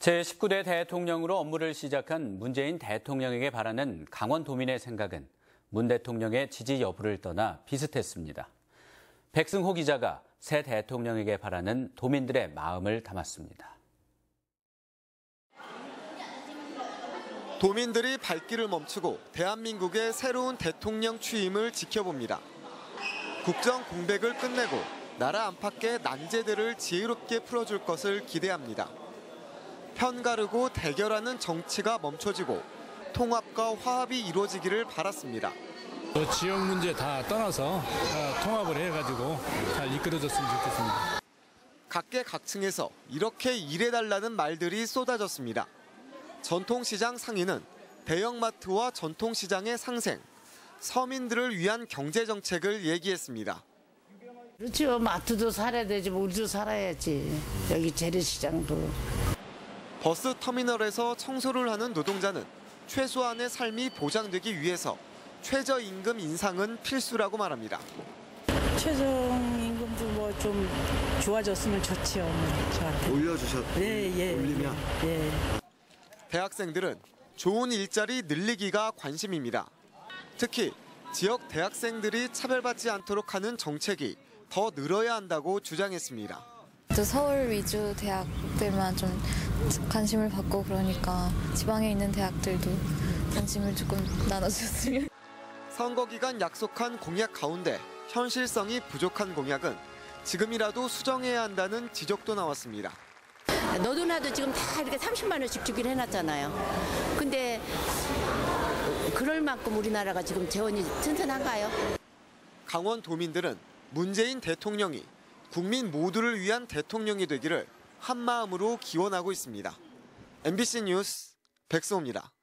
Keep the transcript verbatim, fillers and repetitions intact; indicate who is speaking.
Speaker 1: 제십구 대 대통령으로 업무를 시작한 문재인 대통령에게 바라는 강원도민의 생각은 문 대통령의 지지 여부를 떠나 비슷했습니다. 백승호 기자가 새 대통령에게 바라는 도민들의 마음을 담았습니다.
Speaker 2: 도민들이 발길을 멈추고 대한민국의 새로운 대통령 취임을 지켜봅니다. 국정 공백을 끝내고 나라 안팎의 난제들을 지혜롭게 풀어줄 것을 기대합니다. 편가르고 대결하는 정치가 멈춰지고 통합과 화합이 이루어지기를 바랐습니다.
Speaker 3: 지역 문제 다 떠나서 통합을 해가지고 잘 이끌어졌으면 좋겠습니다.
Speaker 2: 각계각층에서 이렇게 일해달라는 말들이 쏟아졌습니다. 전통시장 상인은 대형마트와 전통시장의 상생, 서민들을 위한 경제정책을 얘기했습니다.
Speaker 4: 그렇죠. 마트도 살아야 되지, 우리도 살아야지. 여기 재래시장도.
Speaker 2: 버스 터미널에서 청소를 하는 노동자는 최소한의 삶이 보장되기 위해서 최저임금 인상은 필수라고 말합니다.
Speaker 5: 최저임금도 뭐 좀 좋아졌으면 좋지요. 저한테.
Speaker 2: 올려주셨,
Speaker 5: 예, 예.
Speaker 2: 올리면?
Speaker 5: 예.
Speaker 2: 대학생들은 좋은 일자리 늘리기가 관심입니다. 특히 지역 대학생들이 차별받지 않도록 하는 정책이 더 늘어야 한다고 주장했습니다.
Speaker 6: 또 서울 위주 대학들만 좀 관심을 받고 그러니까 지방에 있는 대학들도 관심을 조금 나눠줬으면.
Speaker 2: 선거 기간 약속한 공약 가운데 현실성이 부족한 공약은 지금이라도 수정해야 한다는 지적도 나왔습니다.
Speaker 7: 너도 나도 지금 다 이렇게 삼십만 원씩 주기로 해놨잖아요. 근데 그럴 만큼 우리나라가 지금 재원이 튼튼한가요?
Speaker 2: 강원도민들은 문재인 대통령이 국민 모두를 위한 대통령이 되기를 한마음으로 기원하고 있습니다. 엠비씨 뉴스 백승호입니다.